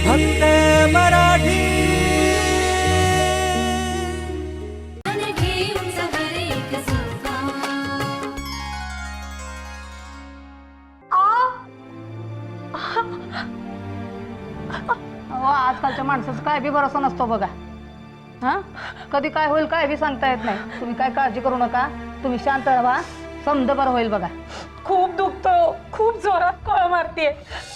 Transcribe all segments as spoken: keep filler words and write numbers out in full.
फक्त मराठी। आजकालच्या माणसाचं काय बी भरोसा नसतो बघा। हा कधी काय होईल काय बी सांगता येत नाही। तुम्ही काय काळजी करू नका, तुम्ही शांत राहा, समज बरं होईल बघा। खूप दुखतो, खूप जोरात कळ मारतीये।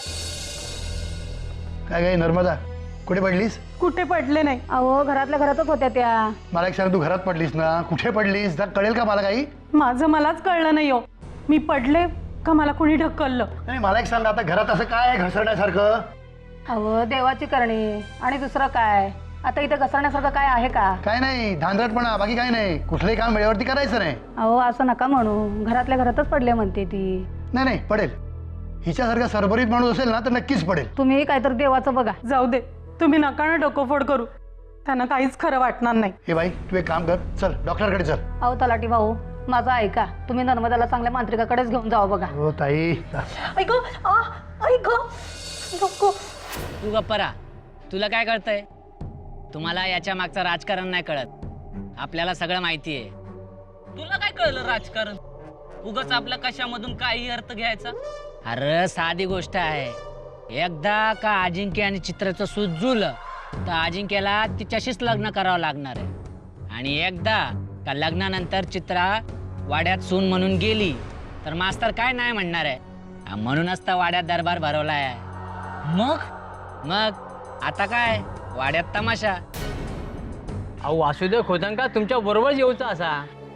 काय काय नर्मदा, कुठे पडलीस? कुठे पडले नाही अहो घरातल्या घरातच होत्या त्या। मला एक सांग, तू घरात पडलीस ना, कुठे पडलीस जर कळेल का मला काही? माझं मलाच कळलं नाही हो, मी पडले का मला कोणी ढकललं? नाही मला एक सांग, आता घरात असं काय आहे घसरण्यासारखं? अहो देवाची करणी आणि दुसरं काय, आता इथे घसरण्यासारखं काय आहे का? काय नाही, धांदरटपणा, बाकी काय नाही। कुठलंही काम वेळेवरती करायचं नाही। अहो असं नका म्हणू, घरातल्या घरातच पडले म्हणते ती। नाही नाही पडेल, हिच्यासारखा सरभरीत माणूस असेल ना तर नक्कीच पडेल। तुम्ही काहीतरी देवाचं बघा। जाऊ दे, तुम्ही नका ना डोकंफोड करू, त्यांना काहीच खरं वाटणार नाही। हे बाई तू एक काम कर, चल डॉक्टरकडे चल। अहो तलाठी भाऊ, माझं ऐका, तुम्ही नर्मदाला चांगल्या मांत्रिकाकडेच घेऊन जावं बघा। हो ताई। ऐक ऐक नको। तू गप्परा, तुला काय कळतंय? तुम्हाला याच्या मागचं राजकारण नाही कळत, आपल्याला सगळं माहिती आहे। तुला काय कळलं राजकारण? उगाच आपल्या कशामधून काही अर्थ घ्यायचा? अरे साधी गोष्ट आहे, एकदा का अजिंक्य आणि चित्राचं सूत जुळलं तर अजिंक्यला तिच्याशीच लग्न करावं लागणार आहे। आणि एकदा का लग्नानंतर चित्रा वाड्यात सून म्हणून गेली तर मास्तर काय नाही म्हणणार आहे। म्हणूनच तर वाड्यात दरबार भरवला आहे। मग मग आता काय, वाड्यात तमाशा। अहो वासुदेव खोतांका तुमच्या बरोबर येऊचा असा?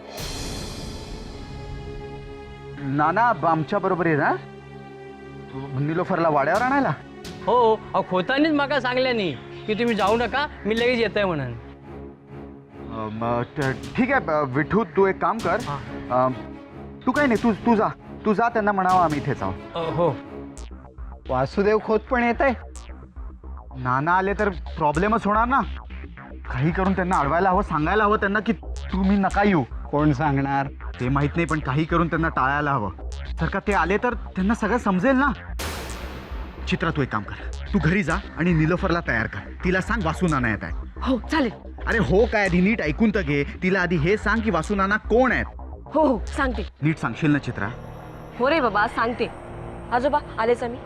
नाना आमच्या बरोबर आहे ना, निलोफरला वाड्यावर आणायला? हो, अहो खोतांनीच माका सांगल्यानी की तुम्ही जाऊ नका, मी लगेच येतोय म्हणून। अ, म, त- ठीक आहे ब- विठू, तू एक काम कर, अ, तू काय नाही, तू तू जा तू जा त्यांना म्हणावं आम्ही इथेच आहोत। अ, हो। वासुदेव खोत पण येत आहे? नाना आले तर प्रॉब्लेमच होणार ना। काही करून त्यांना अडवायला हवं, सांगायला हवं त्यांना की तुम्ही नका येऊ। कोण सांगणार ते माहित नाही, पण काही करून त्यांना टाळायला हवं। जर का ते आले तर त्यांना सगळं समजेल ना। चित्रा तू एक काम कर, तू घरी जा आणि निलोफरला तयार कर, तिला सांग वासू नाना येत आहे। हो चालेल। अरे हो काय, आधी नीट ऐकून तर घे, तिला आधी हे सांग की वासू नाना कोण आहेत। हो हो सांगते। नीट सांगशील ना चित्रा? हो रे बाबा सांगते। आजोबा आलेच आम्ही।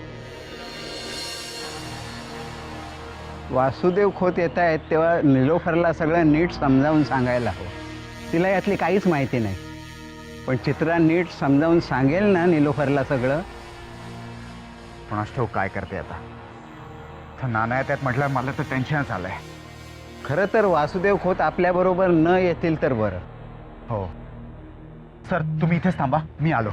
वासुदेव खोत येत आहेत तेव्हा निलोफरला सगळं नीट समजावून सांगायला हवं। तिला यातली काहीच माहिती नाही, पण चित्रा नीट समजावून सांगेल ना निलोफरला सगळं। पण ठेव काय करते आता, तर नाना येत आहेत म्हटलं, मला तर टेन्शनच आलंय। खरं तर वासुदेव खोत आपल्याबरोबर न येतील तर बरं। हो सर, तुम्ही इथेच थांबा, मी आलो।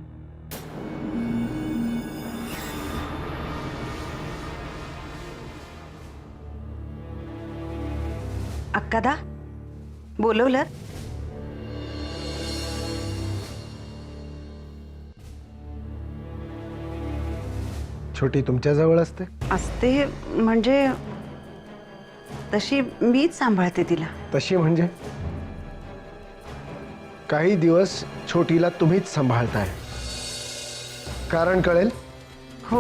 अक्कादा बोलवलं? छोटी तुमच्या जवळ असते? असते म्हणजे तशी मीच सांभाळते तिला। तशी म्हणजे? काही दिवस छोटीला तुम्हीच सांभाळताय, कारण कळेल? हो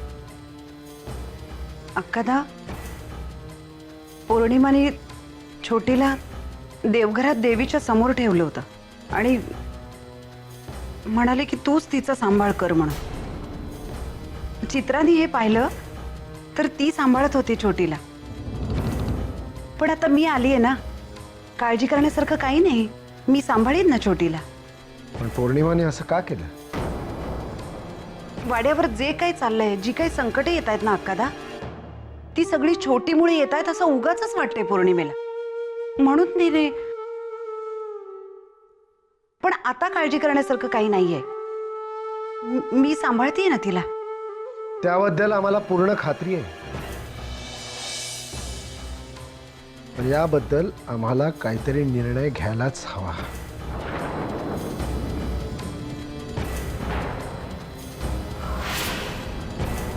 अक्कादा, पौर्णिमाने छोटीला देवघरात देवीच्या समोर ठेवलं होतं आणि म्हणाले की तूच तिचा सांभाळ कर म्हणून। चित्राने हे पाहिलं तर ती सांभाळत होती छोटीला, पण आता मी आली आहे ना, काळजी करण्यासारखं काही नाही, मी सांभाळीन ना छोटीला। पण पौर्णिमाने असं का केलं? वाड्यावर जे काही चाललंय, जी काही संकटे येत आहेत ना अक्कादा, ती सगळी छोटीमुळे येत आहेत असं उगाचच वाटतंय पौर्णिमेला, म्हणून तिने। पण आता काळजी करण्यासारखं काही नाहीये, मी सांभाळतेय ना तिला। त्याबद्दल आम्हाला पूर्ण खात्री आहे, पण याबद्दल आम्हाला काहीतरी निर्णय घ्यायलाच हवा।